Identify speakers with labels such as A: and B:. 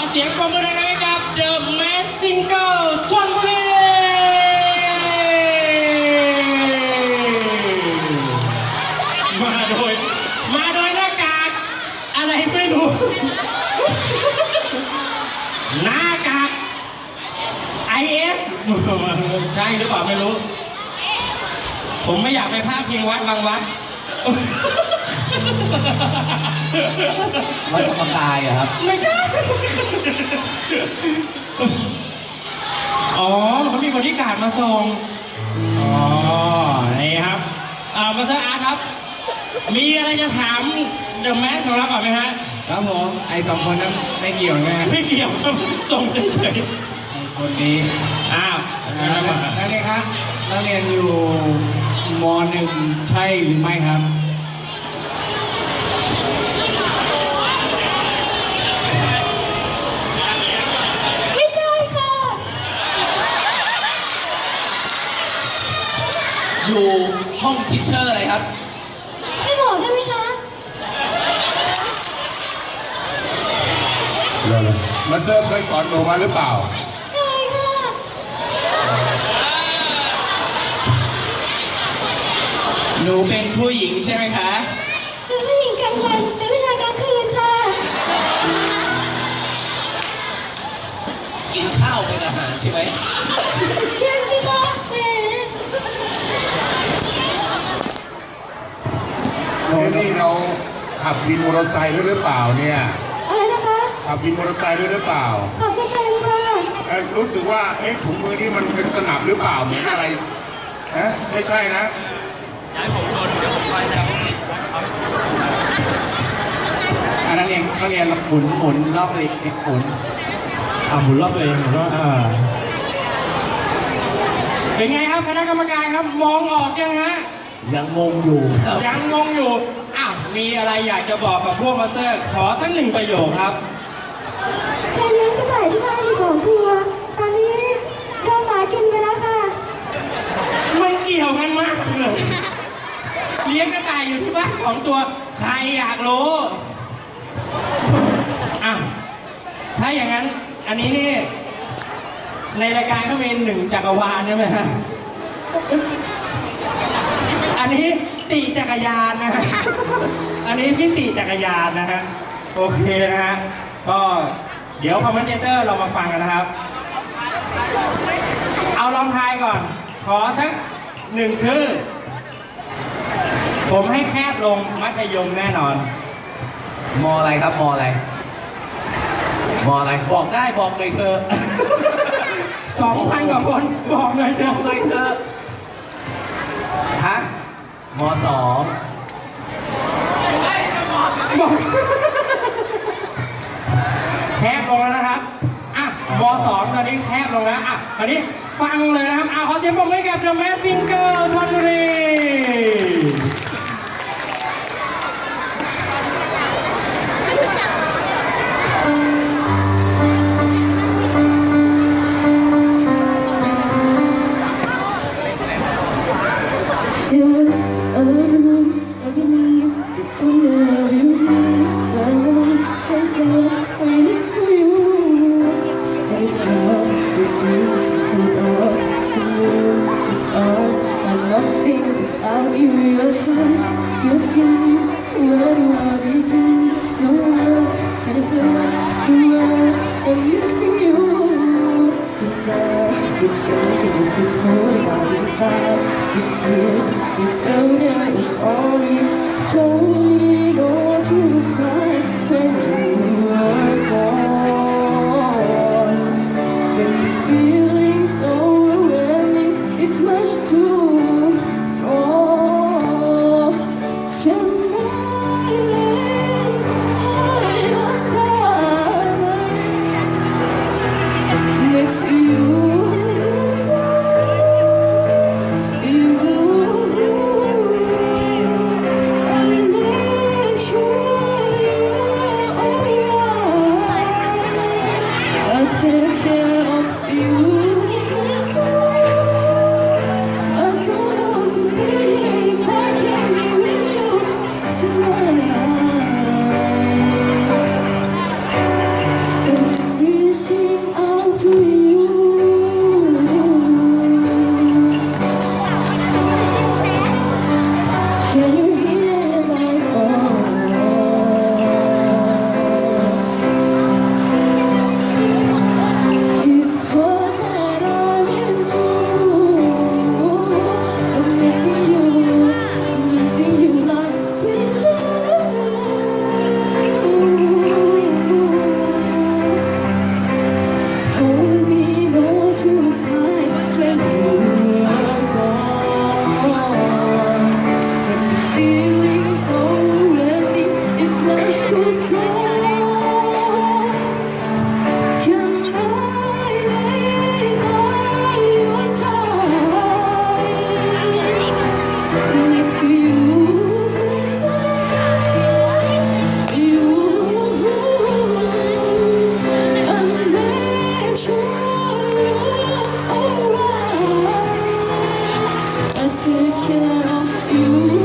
A: เสียงปรบมือให้กับ The Mask Singer ชลบุรีมาโดยหน้ากากอะไรไม่รู้หน้ากาก IS ใช่หรือเปล่าไม่รู้ผมไม่อยากไปพาดพิงวัดบางวัด
B: วัดธรรมกายอะครับ
A: ไม่ใช่อ๋อเขามีบริการมาส่งอ๋อนี่ครับมาสเตอร์อาร์ตครับมีอะไรจะถามเดอะแมสของเราก่อนไหมฮะ
B: ครับผมไอ้สองคนนั้นไม่เกี่ยวไง
A: ไม่เกี่ยวส่งเฉย
B: ไอ้คนนี้นักเรียนครับนักเรียนอยู่ม.1 ใช่หรือไม่ครับ
C: ไม่ใช่ค่ะ
D: อยู่ห้องทิชเชอร์อะไรครับ
C: ไม่บอกได้ไหมคะ
E: มาเซอร์เคยสอนหนูมาหรือเปล่า
C: เคยค่ะ
D: หนูเป็นผู้หญิงใช่ไหมคะ
C: เป็นผู้หญิงกลางวันเป็นผู้ชายกลางคืนค่ะ
D: กินข้าวเป็นอาหารใช่ไหม
C: เก่งสิคะแหม
E: นี่เราขับวินมอเตอร์ไซค์ด้วยหรือเปล่าเนี่ย
C: อะไรนะคะ
E: ขับวินมอเตอร์ไซค์ด้วยหรือเปล่า
C: ขอบคุณค่ะ
E: รู้สึกว่าถุงมือนี่มันเป็นสนับหรือเปล่าเหมือนอะไรไม่ใช่นะ
B: ย้ายผมโดนเดี๋ยวผมไปแล้วนักเรียนหมุนรอบตัวเองหมุน
A: หมุนรอบตัวเองก็เป็นไงครับคณะกรรมการครับมองออกยังฮะ
D: ยังงงอยู่
A: ยังงงอยู่มีอะไรอยากจะบอกกับพวกมาสเตอร์ขอสักหนึ่งประโยคครับ
C: แค่เลี้ยงกระต่ายที่บ้านอยู่2 ตัวตอนนี้โดนหมากินไปแล้วค่ะ
A: มันเกี่ยวกันมากเลยเลี้ยงกระต่ายอยู่ที่บ้าน2 ตัวใครอยากรู้ถ้าอย่างนั้นอันนี้นี่ในรายการก็มี1 จักรวาลใช่ไหมฮะอันนี้ติจักรยานนะฮะอันนี้พี่ติจักรยานนะฮะโอเคนะฮะก็เดี๋ยวคอมเมนเตอร์เรามาฟังกันนะครับเอาลองทายก่อนขอสัก1 ชื่อผมให้แคบลงมัธยมแน่นอน
D: มออะไรครับมออะไรบอกได้บอกเลยเธอ
A: 2,000 กว่าคนบอกเลยเธ
D: อฮะม.2
A: บอกแคบลงแล้วนะครับม.2 ตอนนี้แคบลงแล้วตอนนี้ฟังเลยนะครับขอเสียงปรบมือให้กับ The Mask Singer ชลบุรี
C: Yes, I believe it's whenever you be. I was right there, right next to you. And it's hard to do to fix it up, to move the stars and nothing without you. Your touch, your skin, where do I begin? No words can put the word I'm missing you. Tonight, this emptiness is pouring out inside. These tears, you tell them your story. Told me not to cry when you were gone. When the feeling's overwhelming, it's much too strong. Can I lay by your side next to you? Oh sure you're alright. I take care of you.